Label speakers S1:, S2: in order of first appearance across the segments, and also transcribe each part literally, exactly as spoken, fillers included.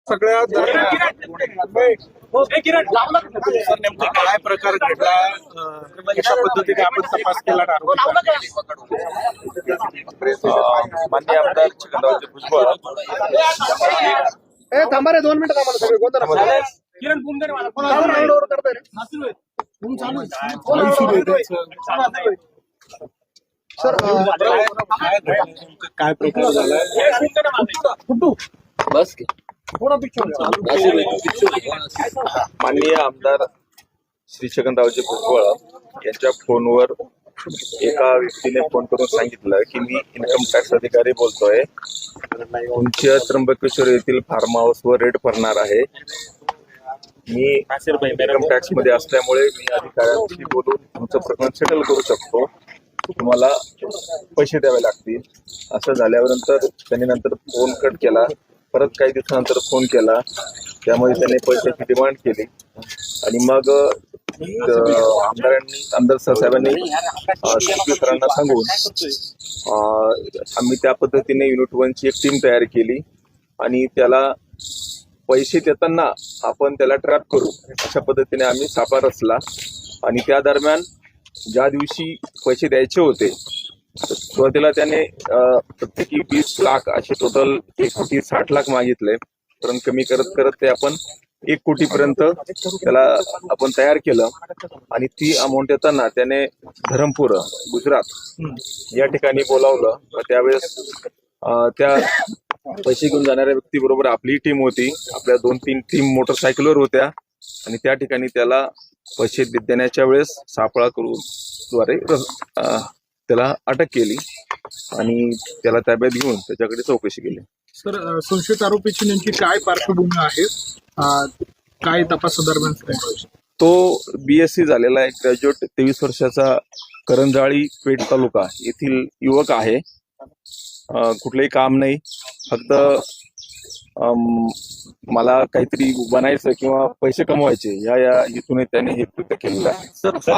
S1: सगळ्या सर नेमकं काय प्रकार घडला, कशा पद्धतीने आपण तपास केला?
S2: माननीय आमदार छगनरावजी भुजबळ
S1: थांबा रे, दोन मिनिटं थांबा सगळे गोंधळ सर काय प्रकार झाला?
S2: बस माननीय आमदार श्री छगनरावजी भुजबळ यांच्या फोनवर एका व्यक्तीने फोन करून सांगितलं की मी इन्कम टॅक्स अधिकारी बोलतोय, तुमच्या त्र्यंबकेश्वर येथील फार्म हाऊसवर रेड पडणार आहे. मी इन्कम टॅक्स मध्ये असल्यामुळे मी अधिकाऱ्यांशी बोलून तुमचं प्रकरण सेटल करू शकतो, तुम्हाला पैसे द्यावे लागतील. असं झाल्यानंतर त्यांनी नंतर फोन कट केला. परत काही दिवसानंतर फोन केला, त्यामुळे त्यांनी पैशाची डिमांड केली आणि मग आमदारांनी आमदार साहेबांनी सरांना सांगून आम्ही त्या पद्धतीने युनिट वनची एक टीम तयार केली आणि त्याला पैसे देताना आपण त्याला ट्रॅप करू अशा पद्धतीने आम्ही सापळा रचला. आणि त्या दरम्यान ज्या दिवशी पैसे द्यायचे होते सुरुवातीला त्याने प्रत्येकी वीस लाख असे टोटल एक कोटी साठ लाख मागितले, परंतु कमी करत करत ते आपण एक कोटी पर्यंत त्याला आपण तयार केलं. आणि ती अमाऊंट येताना त्याने धरमपूर गुजरात या ठिकाणी बोलावलं. त्यावेळेस त्या पैसे घेऊन जाणाऱ्या व्यक्तीबरोबर आपली टीम होती, आपल्या दोन तीन टीम मोटरसायकलवर होत्या आणि त्या ठिकाणी त्याला पैसे देण्याच्या वेळेस सापळा करून द्वारे त्याला अटक केली आणि त्याला ताब्यात घेऊन त्याच्याकडे चौकशी केली.
S1: सर, संशयित आरोपीची नेमकी काय पार्श्वभूमी आहे, काय तपासादरम्यान?
S2: तो बीएससी झालेला आहे, ग्रॅज्युएट, तेवीस वर्षाचा, करंजाळी पेठ तालुका येथील युवक आहे. कुठलंही काम नाही, फक्त मला काहीतरी बनायचं किंवा पैसे कमवायचे या या हेतूने त्याने हे कृत्य केलेलं आहे.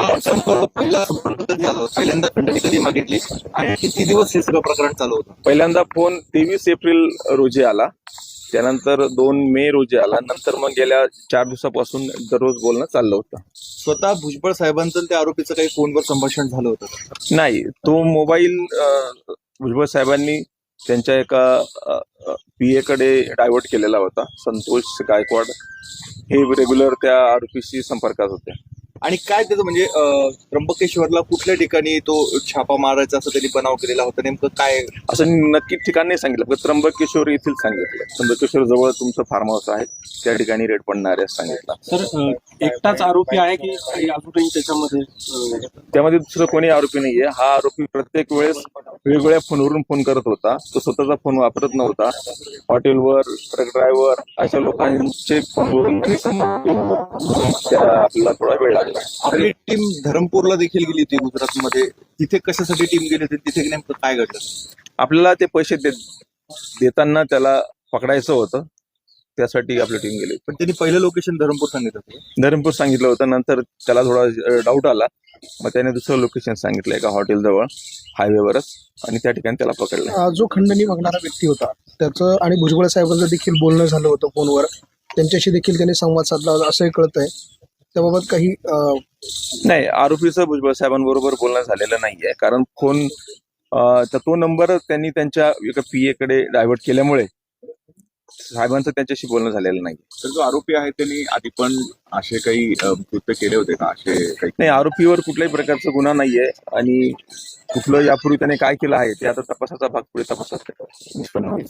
S3: पहिल्यांदा खंडणी कधी मागितली आणि किती दिवस हे सगळं प्रकरण चालू होतं?
S2: पहिल्यांदा फोन तेवीस एप्रिल रोजी आला, त्यानंतर दोन मे रोजी आला, नंतर मग गेल्या चार दिवसापासून दररोज बोलणं चाललं होतं.
S3: स्वतः भुजबळ साहेबांचं त्या आरोपीचं काही फोनवर संभाषण झालं होतं?
S2: नाही, तो मोबाईल भुजबळ साहेबांनी त्यांच्या एका पीए कडे डायव्हर्ट केलेला होता. संतोष गायकवाड हे रेग्युलर त्या आरोपीशी संपर्कात होते.
S3: आणि काय त्याचं म्हणजे त्र्यंबकेश्वरला कुठल्या ठिकाणी तो छापा मारायचा असं त्यांनी बनाव केलेला होता, नेमकं काय
S2: असं नक्की ठिकाण नाही सांगितलं, फक्त त्र्यंबकेश्वर येथील सांगितलं. त्र्यंबकेश्वर जवळ तुमचं फार्म हाऊस आहे, त्या ठिकाणी रेड पडणार आहे सांगितलं.
S1: सर, एकटाच आरोपी आहे की अजूनही त्याच्यामध्ये?
S2: त्यामध्ये दुसरं कोणी आरोपी नाहीये. हा आरोपी प्रत्येक वेळेस वेगवेगळ्या फोनवरून फोन करत होता, तो स्वतःचा फोन वापरत नव्हता. हॉटेलवर, ट्रक ड्रायव्हर अशा लोकांचे फोनवरून आपल्याला थोडा वेळ लागला.
S3: आपली टीम धरमपूरला देखील गेली होती गुजरातमध्ये, तिथे कशासाठी टीम गेली होती, तिथे नेमकं काय घडलं?
S2: आपल्याला ते पैसे देताना त्याला पकडायचं होतं, त्यासाठी आपली टीम गेली.
S3: पण त्यांनी पहिलं लोकेशन धरमपूर सांगितलं होतं.
S2: धरमपूर सांगितलं होतं, नंतर त्याला थोडा डाऊट आला, मग त्याने दुसरं लोकेशन सांगितलं एका हॉटेलजवळ हायवेवरच, आणि त्या ठिकाणी त्याला पकडलं.
S4: जो खंडणी मागणारा व्यक्ती होता त्याचं आणि भुजबळ साहेबांचं देखील बोलणं झालं होतं फोनवर, त्यांच्याशी देखील त्यांनी संवाद साधला होता असंही कळत आहे. त्याबाबत काही
S2: नाही, आरोपीचं भुजबळ साहेबांबरोबर बोलणं झालेलं नाहीये, कारण फोन तो नंबर त्यांनी त्यांच्या एका पीए कडे डायव्हर्ट केल्यामुळे साहेबांचं त्यांच्याशी बोलणं झालेलं नाही.
S5: तर जो आरोपी आहे त्यांनी आधी पण असे काही कृत्य केले होते का? असे काही
S2: नाही, आरोपीवर कुठल्याही प्रकारचा गुन्हा नाहीये आणि कुठलं यापूर्वी त्याने काय केलं आहे ते आता तपासाचा भाग पुढे तपासात निष्पन्न होईल.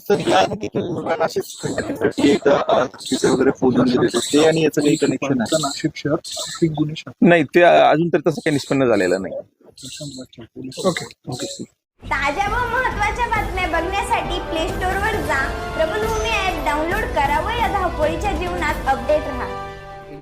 S3: वगैरे फोन ते आणि याचं काही कनेक्शन आहे?
S4: नाशिक शहर गुन्हे
S2: नाही, ते अजून तरी तसं काही निष्पन्न झालेलं नाही.
S4: Okay okay.
S6: ताज्या व महत्त्वाच्या बातम्या बघण्यासाठी प्ले स्टोअरवर जा, प्रबलभूमी ॲप डाउनलोड करा व या धावपळीच्या जीवनात अपडेट राहा.